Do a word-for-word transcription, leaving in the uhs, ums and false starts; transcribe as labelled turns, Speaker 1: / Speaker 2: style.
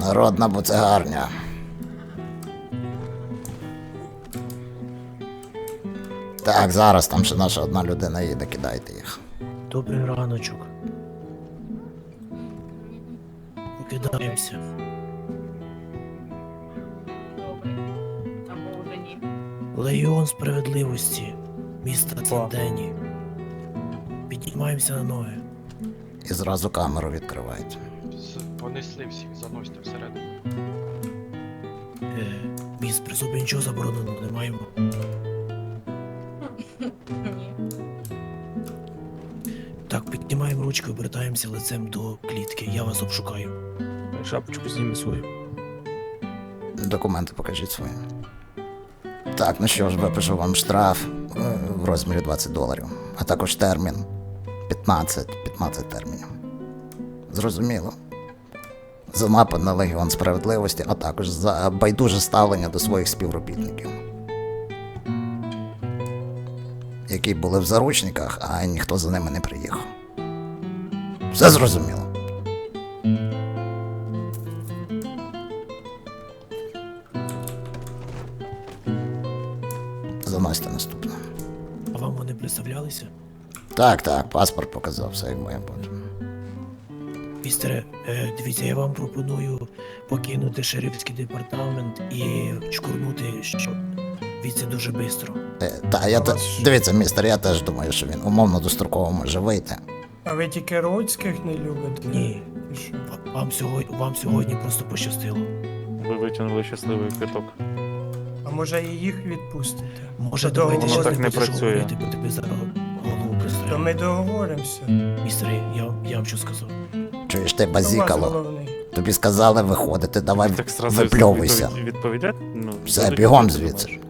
Speaker 1: Народна буцегарня. Так, зараз там ще наша одна людина їде, кидайте їх.
Speaker 2: Добрий раночок. Покидаємося.
Speaker 3: Добре. Або вже ні.
Speaker 2: Легіон справедливості. Міста Цендені. Піднімаємося на ноги.
Speaker 1: І зразу камеру відкривають.
Speaker 4: З- Понесли всіх, заносьте всередину.
Speaker 2: Е, міст при собі нічого забороненого не маємо.
Speaker 3: Ні.
Speaker 2: Так, піднімаємо ручки, обертаємося лицем до клітки. Я вас обшукаю.
Speaker 5: Шапочку зніми свою.
Speaker 1: Документи покажіть свої. Так, ну що ж, випишу вам штраф е, в розмірі двадцять доларів, а також термін п'ятнадцять, п'ятнадцять термінів. Зрозуміло. За напад на Легіон Справедливості, а також за байдуже ставлення до своїх співробітників, які були в заручниках, а ніхто за ними не приїхав. Все зрозуміло. Заносьте наступне.
Speaker 2: А вам вони представлялися?
Speaker 1: Так, так, паспорт показав, все як має бути.
Speaker 2: Містере, е, дивіться, я вам пропоную покинути шерифський департамент і чкурнути, що віце дуже швидко.
Speaker 1: Е, та, я те... Дивіться, містер, я теж думаю, що він умовно достроково може вийти.
Speaker 6: А ви тільки родських не любите?
Speaker 2: Ні.
Speaker 6: І що?
Speaker 2: Ва- Вам сьогодні, вам сьогодні просто пощастило.
Speaker 5: Ви витягнули щасливий квиток.
Speaker 6: А може і їх відпустите?
Speaker 2: Може,
Speaker 6: То
Speaker 2: давайте
Speaker 6: воно
Speaker 2: ще
Speaker 5: так не
Speaker 2: будеш
Speaker 5: працює.
Speaker 2: говорити, бо тебе зараз голову
Speaker 6: То
Speaker 2: пристрелю.
Speaker 6: ми договоримося.
Speaker 2: Містер, я, я вам що сказав?
Speaker 1: Чуєш ти,
Speaker 6: Хто у вас
Speaker 1: базікало?
Speaker 6: головний?
Speaker 1: Тобі сказали виходити, давай
Speaker 5: Так зразу
Speaker 1: випльовуйся.
Speaker 5: відповідь- відповідати? Ну,
Speaker 1: Все,
Speaker 5: будуть
Speaker 1: бігом
Speaker 5: відповідати,
Speaker 1: звідси.
Speaker 5: думаєш?